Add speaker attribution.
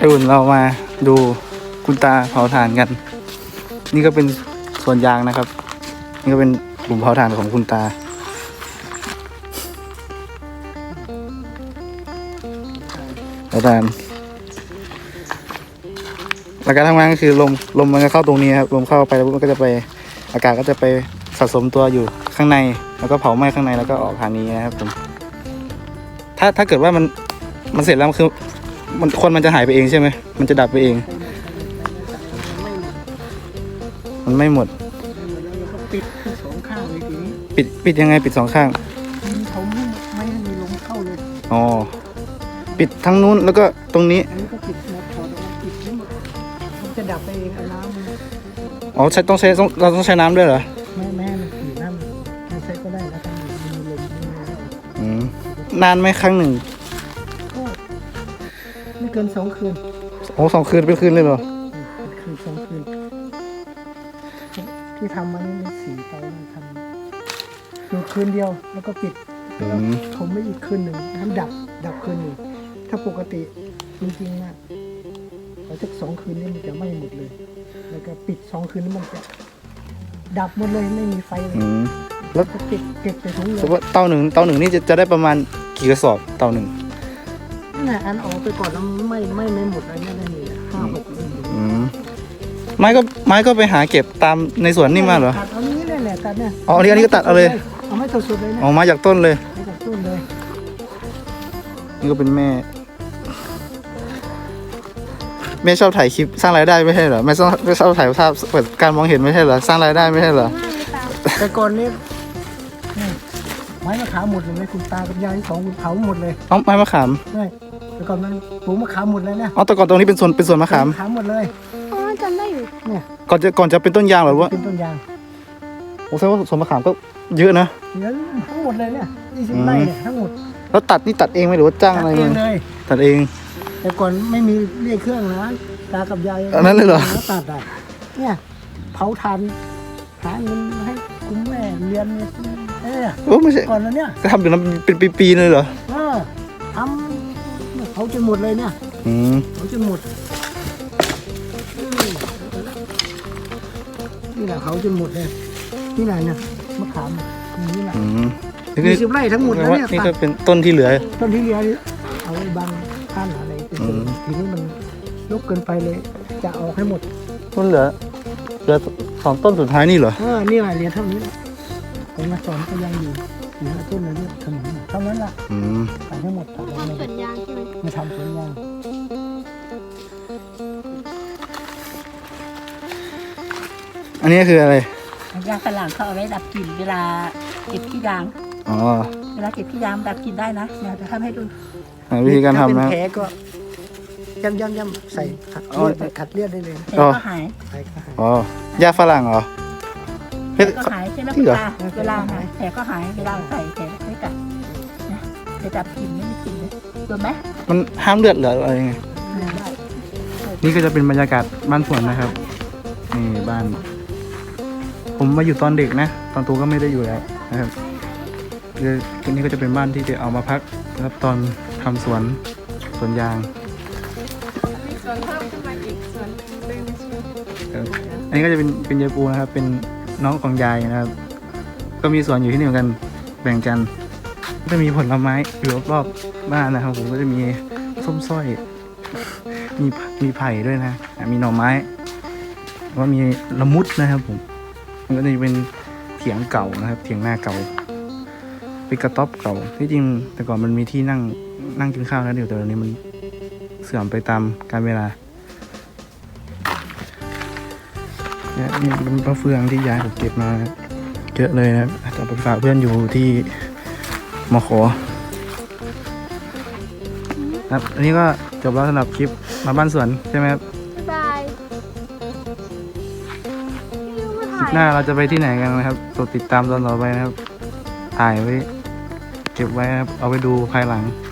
Speaker 1: อุ่นเรามาดูคุณตาเผาถ่านกันนี่ก็เป็นสวนยางนะครับนี่ก็เป็นหลุมเผาถ่านของคุณตาเผาถ่านหลักการทำงานก็คือลมมันก็เข้าตรงนี้ครับลมเข้าไปแล้วมันก็จะไปอากาศก็จะไปสะสมตัวอยู่ข้างในแล้วก็เผาไหม้ข้างในแล้วก็ออกทางนี้นะครับผมถ้าเกิดว่ามันเสร็จแล้วคือมันจะหายไปเองใช่ไหมมันจะดับไปเองมันไม่หมด
Speaker 2: ปิดสองข้างเลยทีนี้
Speaker 1: ปิดยังไงปิดสองข้าง
Speaker 2: เขาไม่ให้มีลมเข้าเลย
Speaker 1: อ๋อปิดทั้งนู้นแล้วก็ตรงนี้
Speaker 2: อันนี้ก็ปิดหมดถอดออกปิดทั้งหมดมันจะดับไปเองน้ำ
Speaker 1: อ๋อเราต้องใช้น้ำด้วยเหรอ
Speaker 2: แม่มันปิดน้ำไม่ใช้ก็ได้แล้วกันมีลม
Speaker 1: นานไหมครั้งหนึ่ง
Speaker 2: ไม่เกิน2 คืน
Speaker 1: โอ้2 คืนเป็นคืนเลยเหรอ
Speaker 2: คืน2 คืนที่ทำมันนี่4 เตาทำอยู่คืนเดียวแล้วก็ปิดแล้วถมไม่อีกคืนหนึ่งน้ำดับคืนหนึ่งถ้าปกติจริงๆนะเราสัก2 คืนนี่มันจะไม่หมดเลยแล้วก็ปิด2 คืนนี่มันจะดับหมดเลยไม่มีไฟเลย
Speaker 1: แล้ว
Speaker 2: ก็ปิดเก็บใส่ถุงเลย
Speaker 1: เตาหนึ่งนี่จะได้ประมาณกี่กระสอบเตาหนึ่ง
Speaker 2: นั่นแหละอันออกไปก่อนแล้วไม่หมดอะไรนี่ได้เลย5-6เลย
Speaker 1: ไม้ก็ไปหาเก็บตามในสวนนี่มาเหรอ
Speaker 2: ตัดเอานี้เลยแหละตัดเนี่ย
Speaker 1: อ๋ออันนี้ก็ตัดเอาเลย
Speaker 2: เอาไม่สดๆเลยนะ
Speaker 1: อ๋อมาจากต้นเลย
Speaker 2: มาจากต้นเลย
Speaker 1: นี่ก็เป็นแม่ชอบถ่ายคลิปสร้างรายได้ไม่ใช่เหรอไม่ชอบถ่ายภาพเปิดการมองเห็นไม่ใช่เหรอสร้างรายได้ไม่ใช่เหรอ
Speaker 2: แต่ก่อนนี้ไม้มะขามหมดเลยคุณตากับยาย2คุณเผาหมดเลย
Speaker 1: อ๋อไม้มะขาม
Speaker 2: ใช่แต่ก่อนมันปลูกมะขามหมดเลยเนี่ย
Speaker 1: อ๋อแต่ก่อนตรงนี้เป็นสวนมะขาม
Speaker 2: หมดเลย
Speaker 3: อ๋อจำได้อยู่
Speaker 2: เนี่ย
Speaker 1: ก่อนจะเป็นต้นยางหรือว่า
Speaker 2: เป็นต้นยาง
Speaker 1: ผมแสดงว่าสวนมะขามก็เยอะนะ
Speaker 2: เยอะทั้งหมดเลยเนี่ย20 ไร่เนี่ยทั้งหมด
Speaker 1: แล้วตัดเองไหมหรือว่าจ้างอะไร
Speaker 2: เลย
Speaker 1: ตัดเอง
Speaker 2: แต่ก่อนไม่มีเรียกเครื่องนะตากับยาย
Speaker 1: อันนั้นเลยเหรอ
Speaker 2: ตัดอ่ะเนี่ยเผาถ่านหาเงินให้คุณแม่เรียนเนี่ย
Speaker 1: โอ้ไม่ใช่
Speaker 2: ก่อนแล้วเนี่ย
Speaker 1: ก็ทำอยู่นั้นเป็นปีๆเลยเหรอ
Speaker 2: ทำเขาจนหมดเลยเนี่ยเขาจนหมดนี่แหละเขาจนหมดเลยที่ไหนเนี่ยมะขามนี่แหละ20 ไร่ทั้งหมดแล้วเนี่ย
Speaker 1: นี่ก็เป็นต้นที่เหลือ
Speaker 2: เอาไว้บังท่านอะไรทีนี้มันลกเกินไปเลยจะออกให้หมด
Speaker 1: ต้นเหลือ2 ต้นสุดท้ายนี่เหรอ
Speaker 2: นี่แหละเรียนเท่านี้ผมมาสอนก็ยังอยู่5 ต้นเลยเนี่ยขนมเท่านั้นแหละตัดให้หมดตัด
Speaker 3: ทำสวนยางใช่ไหม
Speaker 2: มาทำสวนยาง
Speaker 1: อันนี้คืออะไร
Speaker 3: ยางฝรั่งเขาเอาไว้ดับกลิ่นเวลาเก็บขี้ยางเวลาเก็บขี้ยางดับกลิ่นได้นะเดี๋ยวจะทำให้ดู
Speaker 1: วิธีการทำนะ
Speaker 2: แผลก็ย่ำใส่ขัดเลือดได้เลย
Speaker 3: แผลก็หาย
Speaker 1: อ๋อยาฝรั่งเหรอ
Speaker 3: แผลก็หายใช่ไหมคุณตาเวลาหายแผลก็หายเวลาใส่แผลไม่กัดนะจะดับกลิ่นไม่มีกลิ่นเลยโดนไหม
Speaker 1: มันห้ามเลือดเหรออะไรไงนี่ก็จะเป็นบรรยากาศบ้านสวนนะครับนี่บ้านผมมาอยู่ตอนเด็กนะตอนโตก็ไม่ได้อยู่แล้วนะครับนี่ก็จะเป็นบ้านที่จะเอามาพักนะครับตอนทำสวนยาง
Speaker 3: มีสวนเพิ่มขึ้นมาอีกสวน
Speaker 1: อันนี้ก็จะเป็นยายปูนะครับเป็นน้องของยายนะครับก็มีสวนอยู่ที่นี่เหมือนกันแบ่งกันก็จะมีผลไม้อยู่รอบๆบ้านนะครับผมก็จะมีส้มสร้อยมีไผ่ด้วยนะมีหน่อไม้ว่ามีละมุดนะครับผมมันก็จะเป็นเถียงเก่านะครับเถียงหน้าเก่าเป็นกระต๊อบเก่าที่จริงแต่ก่อนมันมีที่นั่งกินข้าวแล้วเดี๋ยวแต่ตอนนี้มันเสื่อมไปตามกาลเวลาเนี่ยนี่เป็นมะเฟืองที่ยายผมเก็บมาเยอะเลยนะครับแต่ไปฝากเพื่อนอยู่ที่มข.ครับอันนี้ก็จบแล้วสำหรับคลิปมาบ้านสวนใช่ไหมครับ
Speaker 3: บาย
Speaker 1: คลิปหน้าเราจะไปที่ไหนกันนะครับกดติดตามตอนต่อไปนะครับถ่ายไว้เก็บไว้ครับเอาไปดูภายหลัง